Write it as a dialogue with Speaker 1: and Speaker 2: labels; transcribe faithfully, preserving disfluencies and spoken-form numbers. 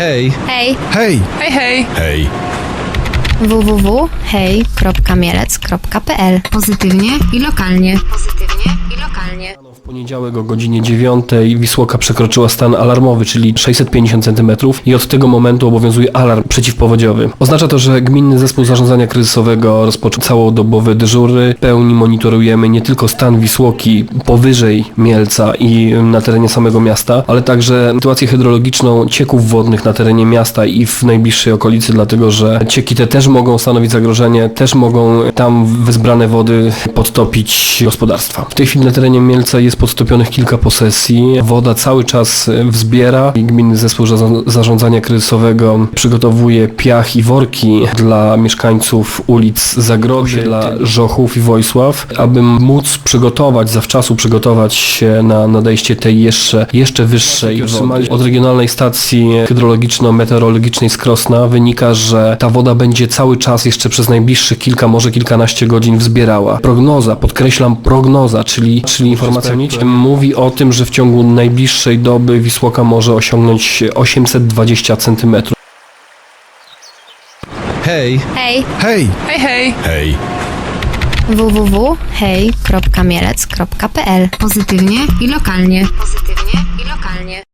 Speaker 1: Hej!
Speaker 2: Hej!
Speaker 3: Hej!
Speaker 4: Hej, hej!
Speaker 3: Hej!
Speaker 2: w w w kropka hej kropka mielec kropka p l. Pozytywnie i lokalnie. Pozytywnie i lokalnie.
Speaker 1: W poniedziałek o godzinie dziewiątej Wisłoka przekroczyła stan alarmowy, czyli sześćset pięćdziesiąt centymetrów i od tego momentu obowiązuje alarm przeciwpowodziowy. Oznacza to, że Gminny Zespół Zarządzania Kryzysowego rozpoczął całodobowe dyżury. W pełni monitorujemy nie tylko stan Wisłoki powyżej Mielca i na terenie samego miasta, ale także sytuację hydrologiczną cieków wodnych na terenie miasta i w najbliższej okolicy, dlatego że cieki te też mogą stanowić zagrożenie, też mogą tam wezbrane wody podtopić gospodarstwa. W tej chwili na terenie Mielca jest podtopionych kilka posesji. Woda cały czas wzbiera i Gminny Zespół Zarządzania Kryzysowego przygotowuje piach i worki dla mieszkańców ulic Zagrody, dla Żochów i Wojsław, aby móc przygotować, zawczasu przygotować się na nadejście tej jeszcze, jeszcze wyższej wody. Od Regionalnej Stacji Hydrologiczno-Meteorologicznej z Krosna wynika, że ta woda będzie cały czas jeszcze przez najbliższych kilka, może kilkanaście godzin wzbierała. Prognoza, podkreślam prognoza, czyli, czyli informacja mówi o tym, że w ciągu najbliższej doby Wisłoka może osiągnąć osiemset dwadzieścia centymetrów.
Speaker 4: Hej!
Speaker 2: Hej!
Speaker 3: Hej!
Speaker 4: Hej, hej!
Speaker 3: Hej!
Speaker 2: w w w kropka hej kropka mielec kropka p l. Pozytywnie i lokalnie. Pozytywnie i lokalnie.